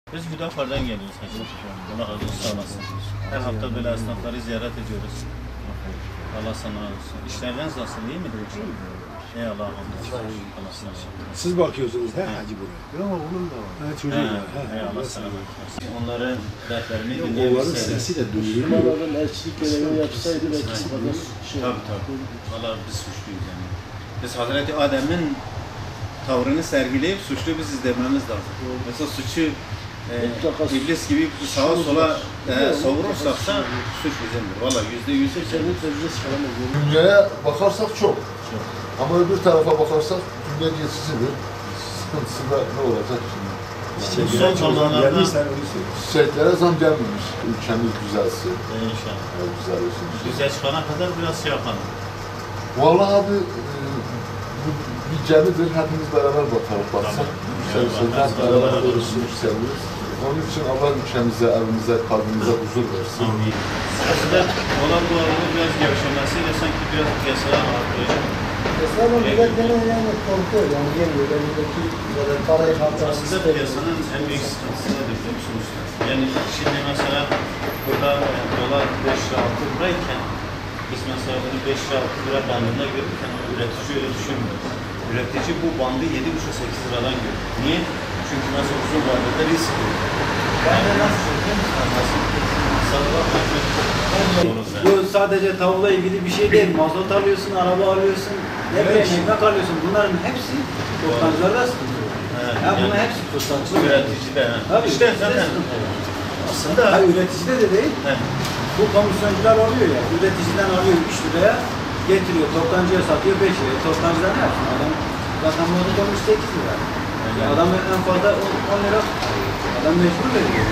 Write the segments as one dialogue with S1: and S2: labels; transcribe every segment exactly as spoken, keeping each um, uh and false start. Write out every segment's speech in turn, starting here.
S1: Biz Hüdapar'dan geliyoruz hacı. Allah razı olsun, sağ olasın. Her hafta böyle esnafları ziyaret ediyoruz. Allah sana razı olsun. İşleriniz nasıl, iyi midir? Ey Allah hamdolsun. Allah sana razı olsun.
S2: Siz bakıyorsunuz he hacı buraya.
S3: Yok oğlum da var.
S2: Ha, çocuğu
S1: He,
S2: var. He,
S1: ey Allah sana razı olsun. Onların dertlerini
S2: Onların
S1: dinleyebilseydik.
S2: sesi de duyuluyor.
S3: Babadan elçilik görevini yapsaydı belki sıkıntı şey.
S1: Tabii tabii. Valla biz suçluyuz yani. Biz Hazreti Adem'in tavrını sergileyip suçlu biziz dememiz lazım. Mesela suçu e, iblis gibi sağa sola e, savurursak da suç bizimdir. Valla yüzde yüz
S3: Senin tezgah çıkaramaz.
S4: Dünyaya bakarsak çok. Ama öbür tarafa bakarsak dünya geçicidir. Sıkıntısı da ne olacak şimdi?
S1: Son zamanlarda
S2: Geldiysen onu söyle.
S4: Çiçeklere zam gelmemiş. Ülkemiz güzelsin.
S1: inşallah.
S4: Ya güzel olsun.
S1: Güzel çıkana kadar biraz şey yapalım.
S4: Vallahi abi e, bu bir gemidir. Hepimiz beraber bakarız baksak.
S1: Tamam.
S4: Yükselirse
S1: Evet,
S4: hep beraber
S1: beraber
S4: olursun, yükseliyoruz. Onun için Allah ülkemize, evimize, kalbimize huzur versin.
S1: Amin. Aslında olan bu arada biraz gevşemesiyle sanki biraz piyasalar artıyor.
S3: Esnafı millet gene yani korkuyor yani yemiyor. Elindeki böyle parayı harcamak
S1: Aslında
S3: istemiyor.
S1: piyasanın en büyük sıkıntısı nedir biliyor musunuz? Yani şimdi mesela burada e, dolar beş lira altı lirayken biz mesela bunu beş lira altı lira bandında görürken üretici öyle düşünmüyor. Üretici bu bandı yedi buçuk sekiz liradan görüyor. Niye? Çünkü mesela uzun vadede risk yok. Yani nasıl söyleyeyim? Nasıl?
S5: Bu sadece tavukla ilgili bir şey değil. Mazot alıyorsun, araba alıyorsun, ne bileyim ekmek alıyorsun. Bunların hepsi toptancılarda sıkıntı.
S1: Evet,
S5: Ya bunun
S1: yani
S5: hepsi toptancı.
S1: üretici de.
S5: Tabii,
S1: İşte
S5: üreticide
S1: zaten
S5: sıkıntı var.
S1: aslında
S5: Hayır, üreticide de değil.
S1: he,
S5: Bu komisyoncular alıyor ya. Üreticiden alıyor üç liraya getiriyor. Toptancıya satıyor beş liraya. Toptancıdan ne yapsın? Adam zaten mazot olmuş sekiz lira. Ya adam en fazla on lira. Adam mecbur veriyor.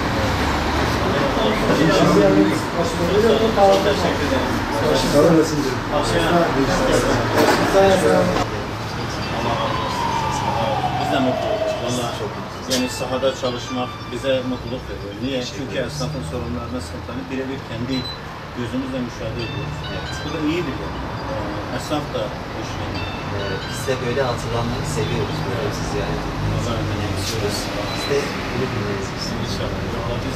S1: çok teşekkür ederim.
S2: Sağ olasın canım.
S1: Biz de mutluyuz. Valla yani sahada çalışmak bize mutluluk veriyor. Niye? Çünkü esnafın sorunlarını, sıkıntılarını birebir kendi gözümüzle müşahede ediyoruz. Bu da iyidir yani. Ee, Esnaf da hoşlanıyor.
S6: Ee, biz de böyle hatırlanmayı seviyoruz. Böyle sizi yani önemsiyoruz. Biz de bunu dinleriz biz.
S1: İnşallah. Valla biz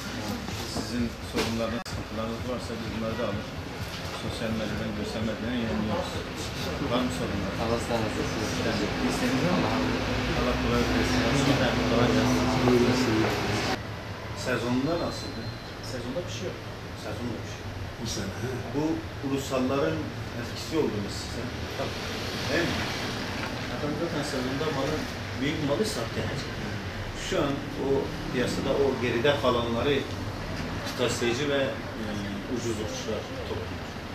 S1: sizin sorunlarınız, sıkıntılarınız varsa biz bunları da alır. Sosyal medyadan, görsel medyadan yayınlıyoruz. Var mı sorunlar?
S6: Allah sizden razı olsun.
S1: İstediğiniz ama Allah kolaylık versin. Şimdiden kolay gelsin. Sezonunda nasıldı? Sezonda bir şey yok. Sezonda bir şey yok.
S2: Bu sene. he.
S1: Bu ulusalların etkisi oldu mu size? Tabii. Değil mi? Adam zaten sezonda malı, büyük malı sattı yani. Şu an o piyasada o geride kalanları kıtaslayıcı ve e, ucuz uçuşlar topluyor.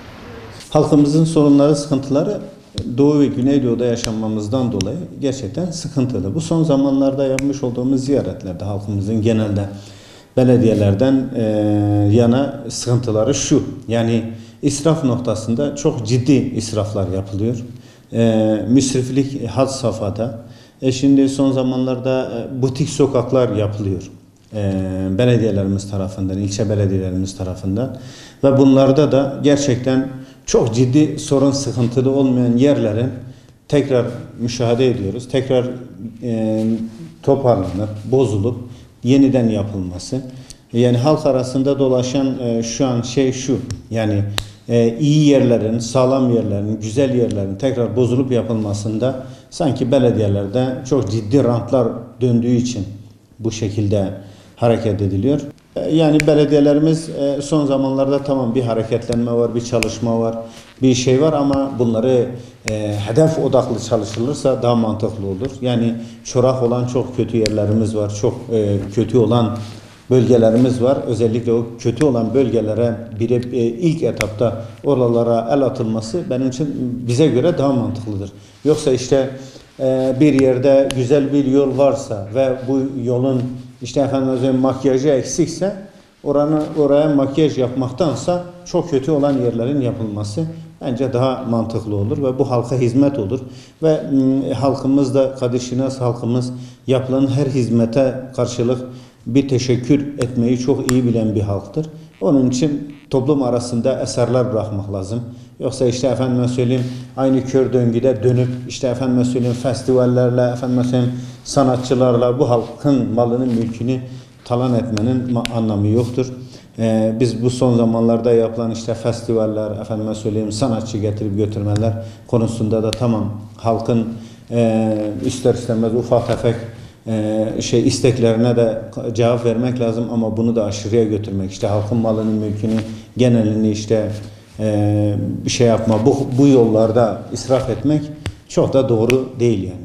S1: Halkımızın sorunları, sıkıntıları Doğu ve Güneydoğu'da yaşanmamızdan dolayı gerçekten sıkıntılı. Bu son zamanlarda yapmış olduğumuz ziyaretlerde halkımızın genelde belediyelerden e, yana sıkıntıları şu. Yani israf noktasında çok ciddi israflar yapılıyor. E, müsriflik had safhada. E şimdi son zamanlarda e, butik sokaklar yapılıyor. E, belediyelerimiz tarafından, ilçe belediyelerimiz tarafından. Ve bunlarda da gerçekten çok ciddi sorun sıkıntılı olmayan yerlerin tekrar müşahede ediyoruz. Tekrar e, toparlanıp, bozulup yeniden yapılması. Yani halk arasında dolaşan e, şu an şey şu. Yani e, iyi yerlerin, sağlam yerlerin, güzel yerlerin tekrar bozulup yapılmasında sanki belediyelerde çok ciddi rantlar döndüğü için bu şekilde hareket ediliyor. Yani belediyelerimiz son zamanlarda tamam bir hareketlenme var, bir çalışma var, bir şey var ama bunları e, hedef odaklı çalışılırsa daha mantıklı olur. Yani çorak olan çok kötü yerlerimiz var, çok e, kötü olan bölgelerimiz var. Özellikle o kötü olan bölgelere bir, e, ilk etapta oralara el atılması benim için bize göre daha mantıklıdır. Yoksa işte e, bir yerde güzel bir yol varsa ve bu yolun İşte efendim makyajı eksikse oranı, oraya makyaj yapmaktansa çok kötü olan yerlerin yapılması bence daha mantıklı olur ve bu halka hizmet olur. Ve e, halkımız da Kadir-Şinas halkımız yapılan her hizmete karşılık bir teşekkür etmeyi çok iyi bilen bir halktır. Onun için toplum arasında eserler bırakmak lazım. Yoksa işte efendime söyleyeyim aynı kör döngüde dönüp işte efendime söyleyeyim festivallerle, efendime söyleyeyim sanatçılarla bu halkın malının mülkünü talan etmenin anlamı yoktur. Ee, biz bu son zamanlarda yapılan işte festivaller, efendime söyleyeyim sanatçı getirip götürmeler konusunda da tamam halkın e, ister istemez ufak tefek e, şey isteklerine de cevap vermek lazım ama bunu da aşırıya götürmek, işte halkın malının mülkünü genelini işte e, bir şey yapma, bu, bu yollarda israf etmek çok da doğru değil yani.